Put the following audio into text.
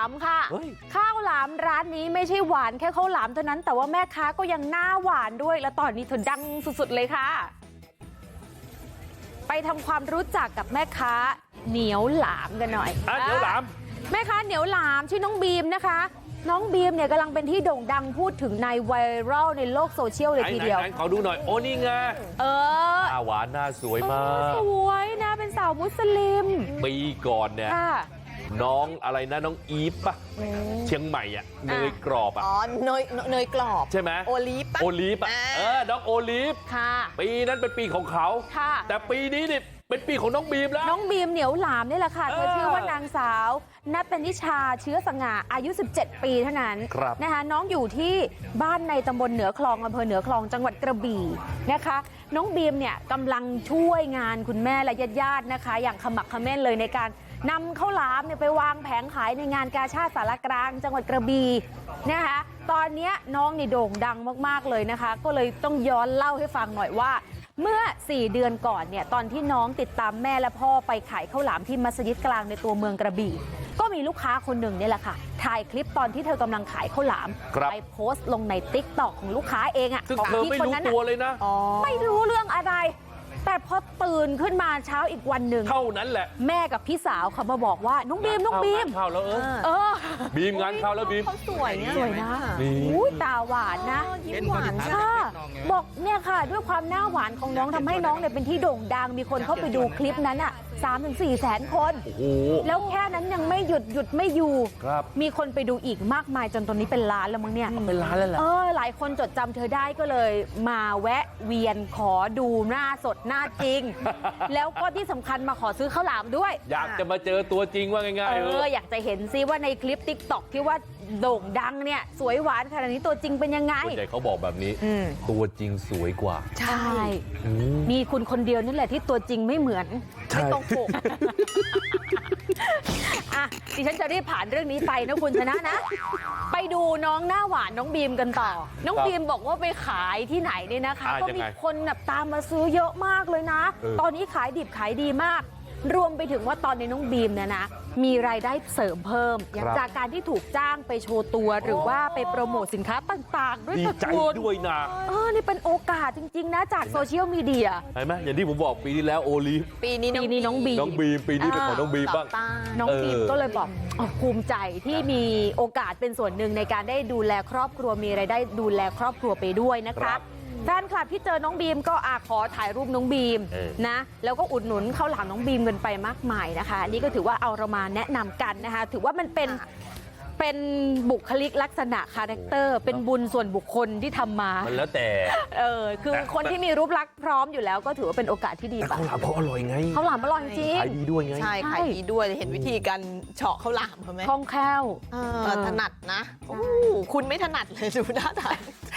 ามค่ะข้าวหลามร้านนี้ไม่ใช่หวานแค่ข้าวหลามเท่านั้นแต่ว่าแม่ค้าก็ยังหน้าหวานด้วยและตอนนี้เธอดังสุดๆเลยค่ะไปทำความรู้จักกับแม่ค้าเหนียวหลามกันหน่อยเหนียวหลามแม่ค้าเหนียวหลามชื่อน้องบีมนะคะน้องบีมเนี่ยกำลังเป็นที่โด่งดังพูดถึงในไวรัลในโลกโซเชียลเลยทีเดียวขอดูหน่อยโอ้นี่ไงหน้าหวานหน้าสวยมากสวยนะเป็นสาวมุสลิมปีก่อนเนี่ยน้องอะไรนะน้องอีฟปะเชียงใหม่อ่ะเนยกรอบอ่ะอ๋อเนยกรอบใช่ไหมโอลีฟปะโอลีฟอ่ะน้องโอลีฟปีนั้นเป็นปีของเขาแต่ปีนี้นี่เป็นปีของน้องบีมแล้วน้องบีมเหนียวหลามนี่แหละค่ะเธอชื่อว่านางสาวนัตนิชาเชื้อสง่าอายุ17 ปีเท่านั้นนะคะน้องอยู่ที่บ้านในตำบลเหนือคลองอำเภอเหนือคลองจังหวัดกระบี่นะคะน้องบีมเนี่ยกำลังช่วยงานคุณแม่และญาติๆนะคะอย่างขมักเขม้นเลยในการนำข้าวหลามเนี่ยไปวางแผงขายในงานกาชาดสารกลางจังหวัดกระบี่นะคะตอนนี้น้องนี่โด่งดังมากๆเลยนะคะก็เลยต้องย้อนเล่าให้ฟังหน่อยว่าเมื่อ4 เดือนก่อนเนี่ยตอนที่น้องติดตามแม่และพ่อไปขายข้าวหลามที่มัสยิดกลางในตัวเมืองกระบี่ก็มีลูกค้าคนหนึ่งนี่แหละค่ะถ่ายคลิปตอนที่เธอกำลังขายข้าวหลามไปโพสต์ลงใน TikTok ของลูกค้าเองอ่ะซึ่งเธอไม่รู้ตัวเลยนะไม่รู้เรื่องอะไรแต่พอตื่นขึ้นมาเช้าอีกวันหนึ่งเท่านั้นแหละแม่กับพี่สาวเขามาบอกว่าน้องบีมเข้าแล้วบีมงานเข้าแล้วบีมเขาสวยนะตาหวานนะยิ้มหวานค่ะบอกเนี่ยค่ะด้วยความหน้าหวานของน้องทำให้น้องเนี่ยเป็นที่โด่งดังมีคนเข้าไปดูคลิปนั้นอ่ะ3-4 แสนคนแล้วแค่นั้นยังไม่หยุดไม่อยู่มีคนไปดูอีกมากมายจนตอนนี้เป็นล้านแล้วมั้งเนี่ยเป็นล้านแล้วแหละหลายคนจดจำเธอได้ก็เลยมาแวะเวียนขอดูหน้าสดหน้าจริงแล้วก็ที่สำคัญมาขอซื้อข้าวหลามด้วยอยากจะมาเจอตัวจริงว่าง่ายๆอยากจะเห็นซิว่าในคลิป TikTok ที่ว่าโด่งดังเนี่ยสวยหวานขนาดนี้ตัวจริงเป็นยังไงส่วนใหญ่เขาบอกแบบนี้ตัวจริงสวยกว่าใช่มีคุณคนเดียวนี่แหละที่ตัวจริงไม่เหมือนไม่ตรงปกดิฉันจะรีบผ่านเรื่องนี้ไปนะคุณชนะนะไปดูน้องหน้าหวานน้องบีมกันต่อน้องบีมบอกว่าไปขายที่ไหนเนี่ยนะคะก็มีคนตามมาซื้อเยอะมากเลยนะตอนนี้ขายดิบขายดีมากรวมไปถึงว่าตอนนี้น้องบีมเนี่ยนะมีรายได้เสริมเพิ่มจากการที่ถูกจ้างไปโชว์ตัวหรือว่าไปโปรโมทสินค้าต่างๆด้วยดีใจด้วยนะนี่เป็นโอกาสจริงๆนะจากโซเชียลมีเดียเห็นไหมอย่างที่ผมบอกปีที่แล้วโอลีฟปีนี้น้องบีมปีนี้เป็นของน้องบีมบ้างน้องบีมก็เลยบอกภูมิใจที่มีโอกาสเป็นส่วนหนึ่งในการได้ดูแลครอบครัวมีรายได้ดูแลครอบครัวไปด้วยนะคะแฟนคลับที่เจอน้องบีมก็ขอถ่ายรูปน้องบีมนะแล้วก็อุดหนุนข้าวหลามน้องบีมกันไปมากมายนะคะนี่ก็ถือว่าเอาเรามาแนะนำกันนะคะถือว่ามันเป็นบุคลิกลักษณะคาแรคเตอร์เป็นบุญส่วนบุคคลที่ทำมามันแล้วแต่คือคนที่มีรูปลักษณ์พร้อมอยู่แล้วก็ถือว่าเป็นโอกาสที่ดีข้าวหลามเขาอร่อยไงข้าวหลามอร่อยจริงขายดีด้วยไงใช่ขายดีด้วยเห็นวิธีการเฉาะข้าวหลามเขาไหมคล่องแคล่วถนัดนะคุณไม่ถนัดเลยดูหน้าตา